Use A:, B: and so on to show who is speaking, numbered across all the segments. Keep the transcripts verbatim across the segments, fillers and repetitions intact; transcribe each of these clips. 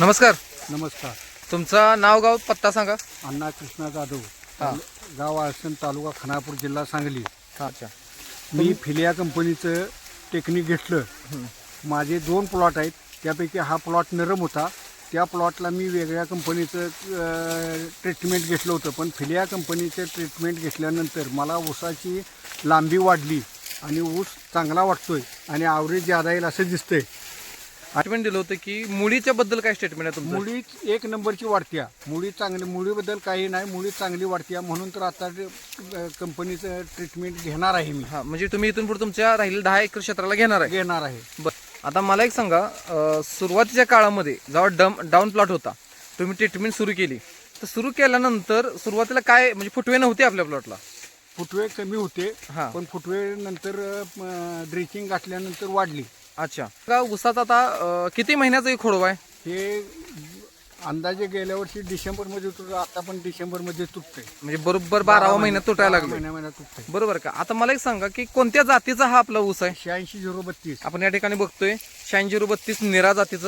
A: नमस्कार.
B: नमस्कार.
A: तुमचं नाव गाव पत्ता सांगा.
B: अण्णा कृष्णा जाधव,
A: हां.
B: गाव आळसण, तालुका खानापूर, जिल्हा सांगली.
A: अच्छा.
B: मी फिलिया कंपनीचं टेक्निक घेतलं. माझे दोन प्लॉट आहेत, त्यापैकी हा प्लॉट नरम होता. त्या प्लॉटला मी वेगळ्या कंपनीचं ट्रीटमेंट घेतलं होतं, पण फिलिया कंपनीचं ट्रीटमेंट घेतल्यानंतर मला ऊसाची लांबी वाढली आणि ऊस चांगला वाटतोय आणि ॲव्हरेज ज्यादा येईल असं दिसतंय.
A: स्टेटमेंट दिलं होतं की मुळीच्या बद्दल काय स्टेटमेंट आहे तुमचं?
B: मुळी एक नंबरची वाढत्या, मुळी चांगली, मुळीबद्दल काही नाही, मुळी चांगली वाढत्या, म्हणून तर आता कंपनीचं ट्रीटमेंट घेणार आहे मी.
A: हां, म्हणजे तुम्ही इथून पुढे तुमच्या राहिलेल्या दहा एकर क्षेत्राला घेणार आहे.
B: घेणार आहे.
A: बरं, आता मला एक सांगा, अं, सुरुवातीच्या काळामध्ये जेव्हा डम डाऊन प्लॉट होता, तुम्ही ट्रीटमेंट सुरू केली, तर सुरू केल्यानंतर सुरुवातीला काय म्हणजे फुटवे नव्हते आपल्या प्लॉटला?
B: फुटवे कमी होते,
A: हां.
B: पण फुटवे नंतर ड्रिचिंग घातल्यानंतर वाढली.
A: अच्छा. का ऊसाचा आता अं, किती महिन्याचा एक खोडवा आहे?
B: हे अंदाजे गेल्या वर्षी डिसेंबरमध्ये तुटलं, आता पण डिसेंबरमध्ये तुटते.
A: म्हणजे बरोबर बारावा महिन्यात तुटायला लागले.
B: महिन्या महिन्यात तुटते.
A: बरोबर का? आता मला एक सांगा की कोणत्या जातीचा हा आपला ऊस आहे?
B: शहाऐंशी झिरो बत्तीस
A: आपण या ठिकाणी बघतोय शहाऐंशी झिरो बत्तीस निरा जातीचं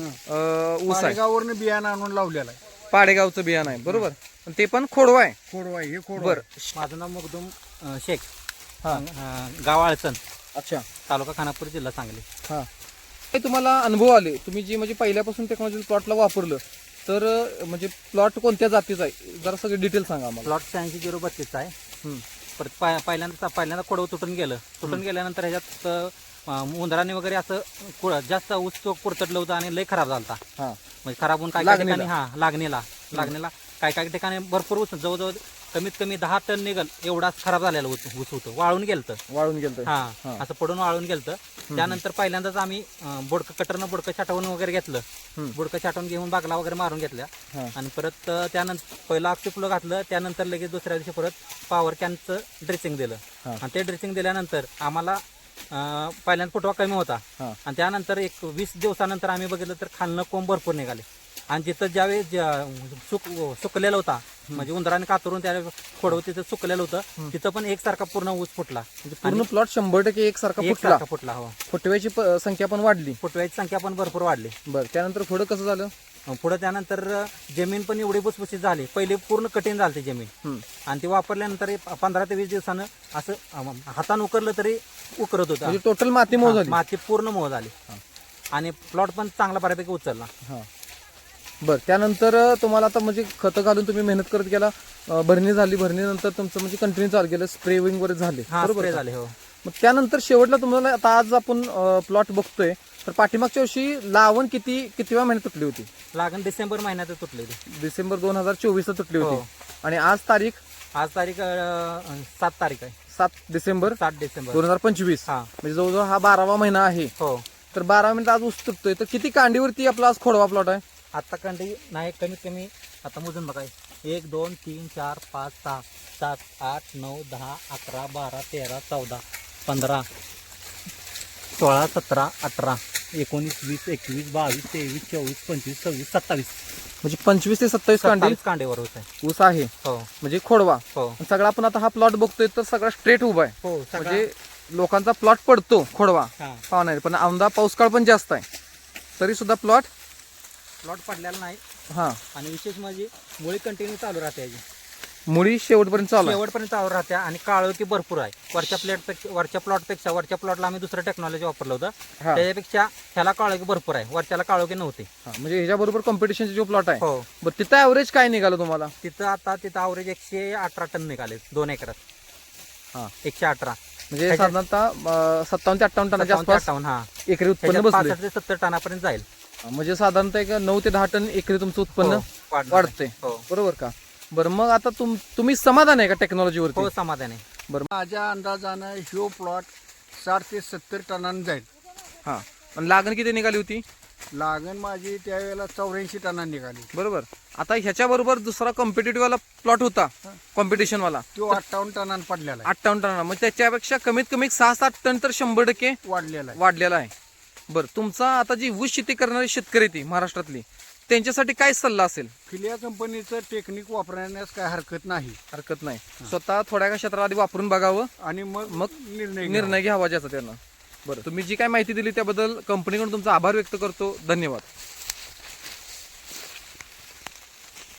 A: अं, ऊस आहे.
B: मालेगाववरनं बियाणं आणून लावलेलं आहे.
A: पाडेगावचं बियाणं आहे, बरोबर. पण ते पण खोडवा आहे.
B: खोडवा आहे, हे खोडवा
A: बर.
B: आहे.
C: माझं नाव मखदूम अ, शेख,
A: हा.
C: अ, गाव आळसण,
A: अच्छा.
C: तालुका खानापूर, जिल्हा सांगली.
A: हा. हे तुम्हाला अनुभव आले, तुम्ही जी म्हणजे पहिल्यापासून टेक्नॉलॉजी प्लॉटला वापरलं, तर अं, म्हणजे प्लॉट कोणत्या जातीचा आहे जरा सगळे डिटेल सांगा आम्हाला.
C: प्लॉट शहाऐंशी झिरो बत्तीसचा आहे.
A: हम्म.
C: परत पाय पहिल्यांदा पहिल्यांदा खोडव तुटून गेलं. तुटून गेल्यानंतर ह्याच्यात अ, उंदराने वगैरे असं कुळ- जास्त ऊस तो कुरतडलं होतं आणि लय खराब झाला.
A: हा.
C: म्हणजे खराब होऊन काय काय
A: लागणीला.
C: ठिकाणी हा लागणीला लागणीला काय काय ठिकाणी भरपूर ऊस, जवळजवळ कमीत कमी दहा टन निघल एवढा खराब झालेला ऊस ऊस होतं, वाळून गेलतं.
A: वाळून गेलं.
C: हा
A: हा.
C: असं पडून वाळून गेलतं. त्यानंतर पहिल्यांदाच आम्ही अं, बोडकं कटरनं बोडकं छाटवून वगैरे घेतलं.
A: हम्म.
C: बोडकं छाटवून घेऊन बागला वगैरे मारून घेतल्या.
A: हा.
C: आणि परत अं, त्यानंतर पहिलं ऑक्सिफ्लो घातलं. त्यानंतर लगेच दुसऱ्या दिवशी परत पॉवर कॅनचं ड्रेसिंग दिलं.
A: हा.
C: आणि ते ड्रेसिंग दिल्यानंतर आम्हाला अं, पहिल्यांदा फुटवा कमी होता.
A: हा.
C: आणि त्यानंतर एक वीस दिवसानंतर आम्ही बघितलं तर खालनं कोंब भरपूर निघाले. आणि जिथं ज्यावेळेस ज्या- सुक सुकलेलं होता, म्हणजे उंदराने कातरून त्या खोडव तिथं सुकलेलं होतं, तिथं पण एकसारखा पूर्ण ऊस फुटला.
A: म्हणजे पूर्ण प्लॉट शंभर टक्के एकसारखा फुटला.
C: एकसारखा फुटला. हो,
A: फुटव्याची प- संख्या पण वाढली.
C: फुटव्याची संख्या पण भरपूर वाढली.
A: बरं, त्यानंतर पुढं कसं झालं?
C: पुढे त्यानंतर जमीन पण एवढी भुसभुशीत झाली. पहिले पूर्ण कठीण झाली जमीन.
A: हम्म.
C: आणि ती वापरल्यानंतर एक पंधरा ते वीस दिवसानं असं अं, हातानं उकरलं तरी उकरत होतं.
A: म्हणजे टोटल माती मोज झाली.
C: माती पूर्ण मोह झाली. आणि प्लॉट पण चांगला बऱ्यापैकी उचलला.
A: हा. बरं, त्यानंतर अं, तुम्हाला आता म्हणजे खतं घालून तुम्ही मेहनत करत गेला, अं, भरणी झाली, भरणीनंतर तुमचं म्हणजे कंटिन्यू चालू केलं, स्प्रेविंग वगैरे झाले,
C: हा,
A: बरोबर
C: स्प्रे
A: का?
C: झाले. हो,
A: मग त्यानंतर शेवटला तुम्हाला आता आज आपण प्लॉट बघतोय, तर पाठीमागच्या वर्षी लावण किती कितीव्या महिन्यात तुटली होती?
C: लागण डिसेंबर महिन्यात तुटलेली.
A: डिसेंबर दोन हजार चोवीस ला तुटली
C: हो.
A: होती. आणि आज तारीख
C: आज तारीख अं, सात तारीख आहे.
A: सात डिसेंबर
C: सात डिसेंबर.
A: दोन हजार पंचवीस.
C: हा.
A: म्हणजे जवळजवळ हा बारावा महिना आहे.
C: हो,
A: तर बारा मिनिट आज ऊस तुटतोय, तर किती कांडीवरती आपला आज खोडवा प्लॉट आहे?
C: आता कंडी नाही, कमीत कमी आता मोजून बघाय, एक दोन तीन चार पाच सहा सात आठ नऊ दहा अकरा बारा तेरा चौदा पंधरा सोळा सतरा अठरा एकोणीस वीस एकवीस बावीस तेवीस चोवीस पंचवीस सव्वीस सत्तावीस
A: म्हणजे पंचवीस ते सत्तावीस कांडी
C: सत्तावीस कांडेवर होत आहे.
A: ऊस आहे,
C: हो,
A: म्हणजे खोडवा.
C: हो,
A: आणि सगळा आपण आता हा प्लॉट बघतोय तर सगळा स्ट्रेट उभा आहे.
C: हो.
A: म्हणजे लोकांचा प्लॉट पडतो खोडवा
C: हा,
A: पाहणार, पण औंधा पाऊसकाळ पण जास्त आहे, तरी सुद्धा प्लॉट.
C: प्लॉट पडलेला नाही.
A: हा.
C: आणि विशेष म्हणजे मुळी कंटिन्यू चालू राहते याची.
A: मुळी शेवटपर्यंत चालू आहे.
C: शेवटपर्यंत चालू राहत्या. आणि काळोखी भरपूर आहे. वरच्या प्लेट वरच्या प्लॉटपेक्षा वरच्या प्लॉटला आम्ही दुसरं टेक्नॉलॉजी वापरलं होतं,
A: हा.
C: त्याच्यापेक्षा ह्याला काळोखी भरपूर आहे, वरच्याला काळोखी नव्हती.
A: हा, म्हणजे ह्याच्याबरोबर कॉम्पिटिशनचा जो प्लॉट आहे,
C: हो,
A: बरं तिथं ॲव्हरेज काय निघालं तुम्हाला?
C: तिथं आता तिथं अवरेज एकशे अठरा टन निघाले दोन एकरात.
A: हा.
C: एकशे अठरा
A: म्हणजे
C: ह्याच्यात-
A: साधारणतः अं, सत्तावन्न ते अठ्ठावन्न टनाच्या
C: सत्तावन्न ते
A: आसपास
C: अठ्ठावन्न. हा,
A: एकरी उत्पन्न
C: त्याच्यात
A: बसले.
C: पासष्ट ते सत्तर टनापर्यंत जाईल.
A: म्हणजे साधारणतः एक नऊ ते दहा टन एकरी तुमचं उत्पन्न
C: हो, वाढणार आहे.
A: वाढते,
C: हो,
A: बरोबर का? बरं, मग आता तुम तुम्ही समाधान आहे का टेक्नॉलॉजीवरती?
C: हो, समाधान आहे.
B: माझ्या अंदाजानं ह्यो प्लॉट साठ ते सत्तर टनानं जाईल.
A: हा. आणि लागण किती निघाली होती?
B: लागण माझी त्यावेळेला चौऱ्याऐंशी टनानं निघाली.
A: बरोबर. आता ह्याच्या बरोबर दुसरा कॉम्पिटेटिव्ह वाला प्लॉट होता, कॉम्पिटिशन वाला,
B: तो अठ्ठावन्न टनानं पडलेला आहे,
A: अठ्ठावन्न टन. मग त्याच्यापेक्षा कमीत कमी सहा सात टन तर शंभर टक्के
B: वाढलेला आहे.
A: वाढलेला आहे. बरं, तुमचा आता जी ऊस शेती करणारी शेतकरी ती महाराष्ट्रातली, त्यांच्यासाठी काय सल्ला असेल?
B: फिलिया कंपनीचं टेक्निक वापरण्यास काय हरकत नाही.
A: हरकत नाही, स्वतः थोड्या का क्षेत्रात आधी वापरून बघावं,
B: आणि मग
A: मग
B: निर्णय घ्यावा.
A: निर्णय घ्यावा ज्याचा त्यांना. बरं, तुम्ही जी काय माहिती दिली त्याबद्दल कंपनीकडून तुमचा आभार व्यक्त करतो. धन्यवाद.